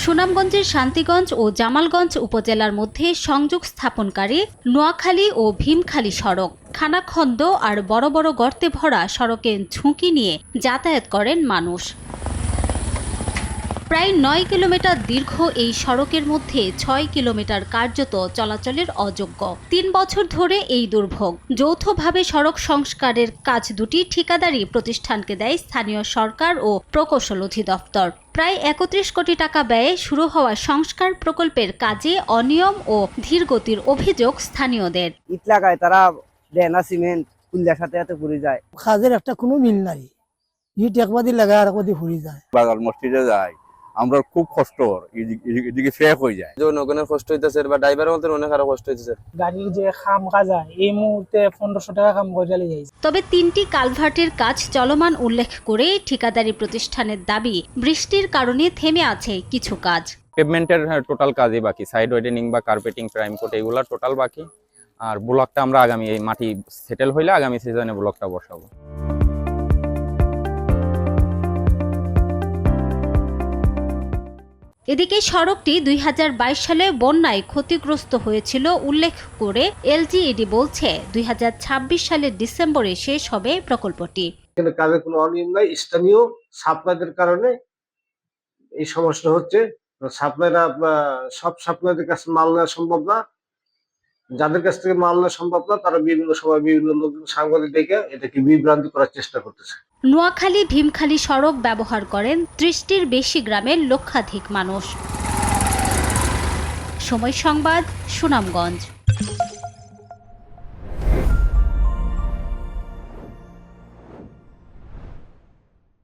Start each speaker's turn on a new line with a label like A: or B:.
A: সুনামগঞ্জের শান্তিগঞ্জ ও জামালগঞ্জ উপজেলার মধ্যে সংযোগ স্থাপনকারী নোয়াখালী ও ভীমখালী সড়ক খানাখন্দ আর বড় বড় গর্তে ভরা সড়কে ঝুঁকি নিয়ে যাতায়াত করেন মানুষ। প্রায় ৯ কিলোমিটার দীর্ঘ এই সড়কের মধ্যে ৬ কিলোমিটার কার্যত চলাচলের অযোগ্য। ৩ বছর ধরে এই দুর্ভোগ। যৌথভাবে সড়ক সংস্কারের কাজ দুটি ঠিকাদারি প্রতিষ্ঠানকে দেয় স্থানীয় সরকার ও প্রকৌশল অধিদপ্তর। প্রায় ৩১ কোটি টাকা ব্যয়ে শুরু হওয়া সংস্কার প্রকল্পের কাজে অনিয়ম ও ধীরগতির অভিযোগ স্থানীয়দের।
B: ইট লাগায় তারা দেয় না, সিমেন্ট কুল্লার সাথে এত পুড়ে যায়।
C: কাজের একটা কোনো মিল নাই, ইট একবাদি লাগায় আর একবাদি পুড়ে যায়।
D: বাগাল মসজিদে যায়, আমরা খুব কষ্ট, এদিকে ফেক হয়ে যায়।
E: জনগণের কষ্ট হইতেছে বা ড্রাইভারের মধ্যে অনেক আরো কষ্ট হইতেছে।
C: গাড়ির যে খাম কাজা এই মুহূর্তে ১৫০০ টাকা খাম করে যাইছে।
A: তবে ৩টি কালভার্টের কাজ চলমান উল্লেখ করে ঠিকাদারি প্রতিষ্ঠানের দাবি, বৃষ্টির কারণে থেমে আছে কিছু কাজ।
F: পেভমেন্টের টোটাল কাজই বাকি, সাইড ওয়েডেনিং বা কার্পেটিং, প্রাইম কোট এগুলা টোটাল বাকি। আর ব্লকটা আমরা আগামী এই মাটি সেটেল হইলে আগামী সিজনে ব্লকটা বসাবো।
A: এদিকে সড়কটি ২০২২ সালে বন্যায় ক্ষতিগ্রস্ত হয়েছিল উল্লেখ করে এলজিইডি বলছে ২০২৬ সালের ডিসেম্বরে শেষ হবে প্রকল্পটি।
G: কিন্তু কাজের কোনো অনিয়ম নাই, স্থানীয় সাপ্লাইদের কারণে এই সমস্যা হচ্ছে। সাপ্লাইরা সব সাপ্লাইদের কাছে মাল নেওয়া সম্ভব না, যাদের কাছ থেকে মাল নেওয়া সম্ভব না তারা বিভিন্ন সময় বিভিন্ন লোকজন সাংবাদিক ডেকে এটাকে বিভ্রান্তি করার চেষ্টা করতেছে।
A: নোয়াখালী ভীমখালী সড়ক ব্যবহার করেন ৩০টির বেশি গ্রামের লক্ষাধিক মানুষ। সময় সংবাদ, সুনামগঞ্জ।